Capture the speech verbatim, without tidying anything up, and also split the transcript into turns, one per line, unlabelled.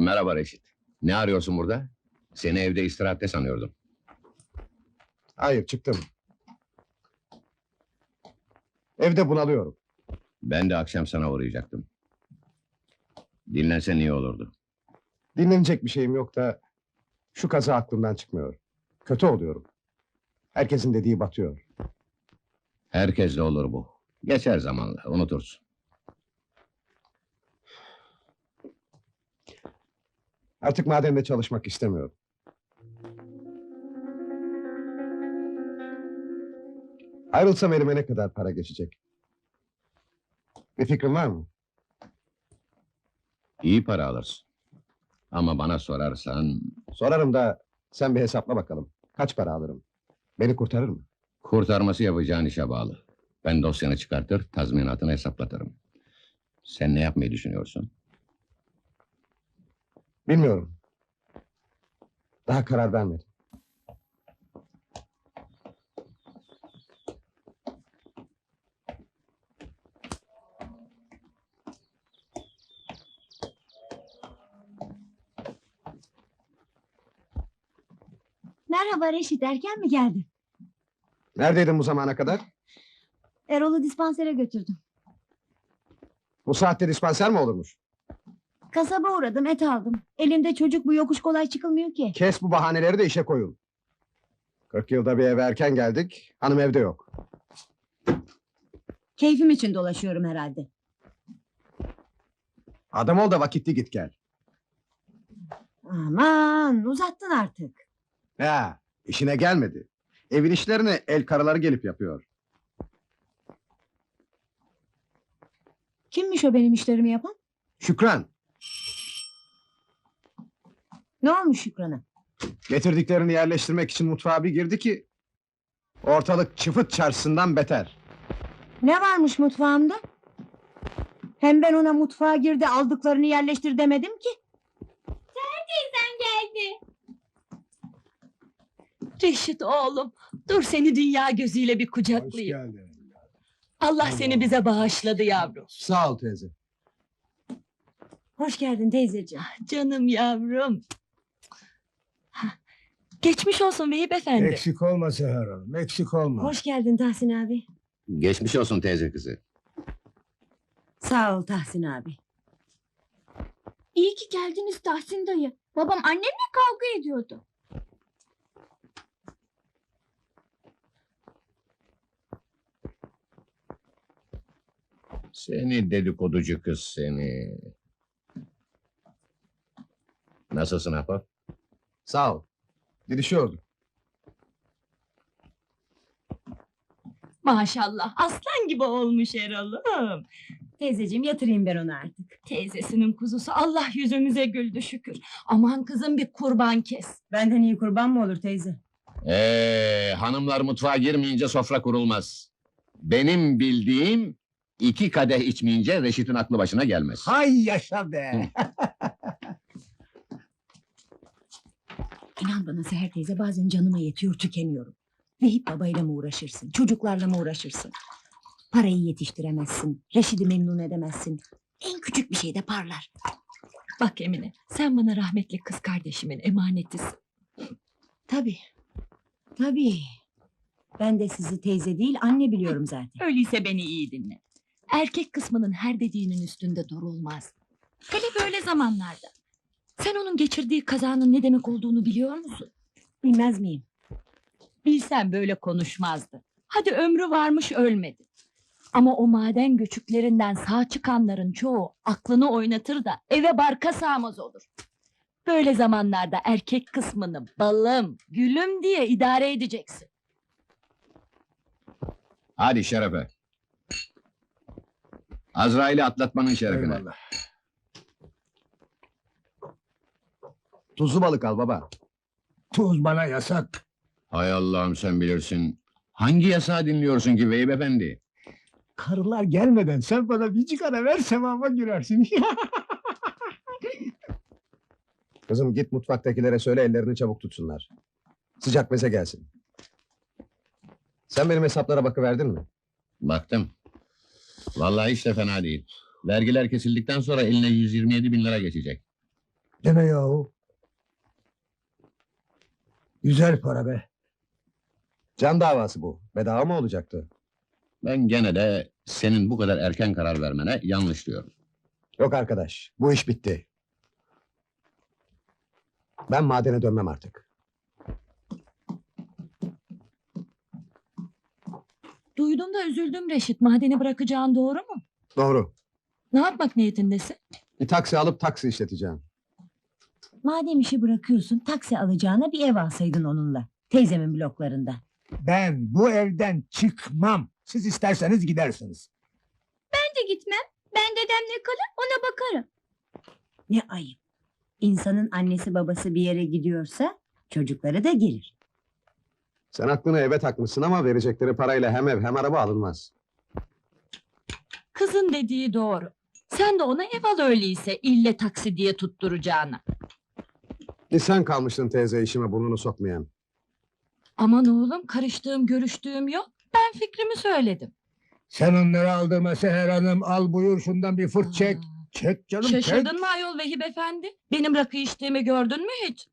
Merhaba Reşit. Ne arıyorsun burada? Seni evde istirahatte sanıyordum.
Hayır, çıktım. Evde bunalıyorum.
Ben de akşam sana uğrayacaktım. Dinlensen iyi olurdu.
Dinlenecek bir şeyim yok da şu kaza aklımdan çıkmıyor. Kötü oluyorum. Herkesin dediği batıyor.
Herkesle olur bu. Geçer zamanla, unutursun.
Artık madende çalışmak istemiyorum. Ayrılsam elime ne kadar para geçecek? Bir fikrin var mı?
İyi para alırsın. Ama bana sorarsan...
Sorarım da sen bir hesapla bakalım. Kaç para alırım? Beni kurtarır mı?
Kurtarması yapacağın işe bağlı. Ben dosyanı çıkartır, tazminatını hesaplatırım. Sen ne yapmayı düşünüyorsun?
Bilmiyorum. Daha karar vermedim.
Merhaba Reşit, erken mi geldin?
Neredeydin bu zamana kadar?
Erol'u dispansere götürdüm.
Bu saatte dispanser mi olurmuş?
Kasaba uğradım, et aldım. Elimde çocuk, bu yokuş kolay çıkılmıyor ki.
Kes bu bahaneleri de işe koyun. Kırk yılda bir eve erken geldik. Hanım evde yok.
Keyfim için dolaşıyorum herhalde.
Adam ol da vakitli git gel.
Aman, uzattın artık.
Ya, işine gelmedi. Evin işlerini el karıları gelip yapıyor.
Kimmiş o benim işlerimi yapan?
Şükran,
Ne olmuş Şükran'a?
getirdiklerini yerleştirmek için mutfağa bir girdi ki... ...ortalık çıfıt çarşısından beter.
Ne varmış mutfağımda? Hem ben ona mutfağa girdi, aldıklarını yerleştir demedim ki.
Seher teyzen geldi.
Reşit oğlum, dur seni dünya gözüyle bir kucaklayayım.
geldin.
Allah seni bize bağışladı yavrum.
Sağ ol teyze.
Hoş geldin teyzeciğim.
Canım yavrum. Hah, geçmiş olsun Vehip efendi.
Eksik olma Seher Hanım, eksik olma.
Hoş geldin Tahsin abi.
Geçmiş olsun teyze kızı.
Sağ ol Tahsin abi.
İyi ki geldiniz Tahsin dayı. Babam annemle kavga ediyordu.
Seni dedikoducu kız seni. Nasılsın Ahbap?
Sağ ol. Didişiyorduk.
Maşallah, aslan gibi olmuş Erol'um.
Teyzeciğim yatırayım ben onu artık.
Teyzesinin kuzusu, Allah yüzümüze güldü şükür. Aman kızım bir kurban kes.
Benden iyi kurban mı olur teyze?
Ee, hanımlar mutfağa girmeyince sofra kurulmaz. Benim bildiğim... iki kadeh içmeyince Reşit'in aklı başına gelmez.
Hay yaşa be!
İnan bana Seher teyze, bazen canıma yetiyor, tükeniyorum. Vehip babayla mı uğraşırsın, çocuklarla mı uğraşırsın? Parayı yetiştiremezsin, Reşit'i memnun edemezsin. En küçük bir şeyde parlar.
Bak Emine, sen bana rahmetli kız kardeşimin emanetisin.
Tabii, tabii. Ben de sizi teyze değil, anne biliyorum zaten.
Öyleyse beni iyi dinle. Erkek kısmının her dediğinin üstünde durulmaz. Hele böyle zamanlarda. Sen onun geçirdiği kazanın ne demek olduğunu biliyor musun?
Bilmez miyim?
Bilsen böyle konuşmazdı. Hadi ömrü varmış ölmedi. Ama o maden göçüklerinden sağ çıkanların çoğu aklını oynatır da eve barka sığmaz olur. Böyle zamanlarda erkek kısmını balım, gülüm diye idare edeceksin.
Hadi şerefe. Azrail'i atlatmanın şerefine.
Eyvallah.
Tuzlu balık al baba.
Tuz bana yasak.
Hay Allah'ım sen bilirsin. Hangi yasağı dinliyorsun ki Vehip efendi?
Karılar gelmeden sen bana bir cigara ver, sevaba girersin.
Kızım git mutfaktakilere söyle ellerini çabuk tutsunlar. Sıcak meze gelsin. Sen benim hesaplara bakıverdin mi?
Baktım. Vallahi hiç de fena değil. Vergiler kesildikten sonra eline yüz yirmi yedi bin lira geçecek.
Deme yahu. Güzel para be.
Can davası bu. Bedava mı olacaktı?
Ben gene de senin bu kadar erken karar vermene yanlış diyorum.
Yok arkadaş, bu iş bitti. Ben madene dönmem artık.
Duydum da üzüldüm Reşit. Madeni bırakacağın doğru mu?
Doğru.
Ne yapmak niyetindesin?
Bir taksi alıp taksi işleteceğim.
Madem işi bırakıyorsun taksi alacağına bir ev alsaydın onunla. Teyzemin bloklarında.
Ben bu evden çıkmam. Siz isterseniz gidersiniz.
Ben de gitmem. Ben dedemle kalır ona bakarım.
Ne ayıp. İnsanın annesi babası bir yere gidiyorsa çocukları da gelir.
Sen aklını eve takmışsın ama verecekleri parayla hem ev hem araba alınmaz.
Kızın dediği doğru. Sen de ona ev al öyleyse ille taksi diye tutturacağına.
Bir sen kalmıştın teyze işime burnunu sokmayan.
Aman oğlum karıştığım görüştüğüm yok. Ben fikrimi söyledim.
Sen onları aldırma Seher Hanım. Al buyur şundan bir fırt çek.
Aa,
Çek canım çek.
Şaşırdın mı ayol Vehip efendi? Benim rakı içtiğimi gördün mü hiç?